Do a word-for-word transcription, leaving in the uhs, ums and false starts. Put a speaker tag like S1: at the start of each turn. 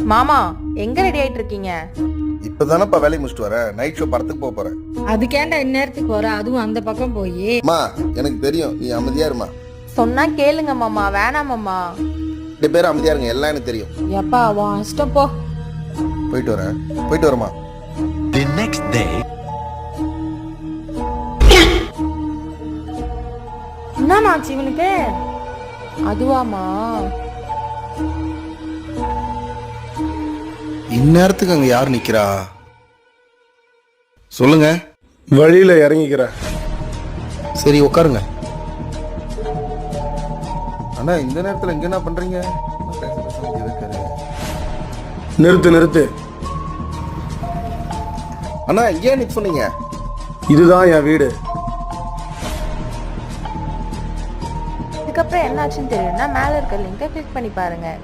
S1: மாமா எங்க ரெடி ஆயிட்டு இருக்கீங்க?
S2: இப்பதானப்பா வேலையை முடிச்சுட்டு வரேன். நைட் ஷோ படத்துக்கு போக போறேன்.
S3: அதுக்கேண்டா இந்நேரத்துக்கு வர, அதுவும் அந்த பக்கம் போய்.
S2: அம்மா எனக்கு தெரியும், நீ அமைதியா இருமா.
S1: சொன்னா கேளுங்க மாமா. வேணாம் மாமா.
S2: ரெண்டு பேரும் அமைதியா இருங்க, எல்லாம் எனக்கு தெரியும்.
S3: எப்பா உன் இஷ்டம் போ.
S2: போயிட்டு வரேன். போயிட்டு வரமா.
S4: The next day.
S1: என்னமாச்சு இவனுக்கு? அதுவாமா?
S2: இந்நேரத்துக்கு அங்க யார் நிக்கிறா? சொல்லுங்க.
S5: வழியில இறங்கிக்கிறேன்.
S2: சரி உட்காருங்க. அண்ணா இந்த நேரத்துல இங்க என்ன பண்றீங்க?
S5: நிறுத்து நிறுத்து.
S2: அண்ணா ஏன் நிக்க சொன்னீங்க?
S5: இதுதான் என் வீடு.
S1: இதுக்கப்புறம் என்னாச்சுன்னு தெரியும்னா மேல இருக்க லிங்கை கிளிக் பண்ணி பாருங்க.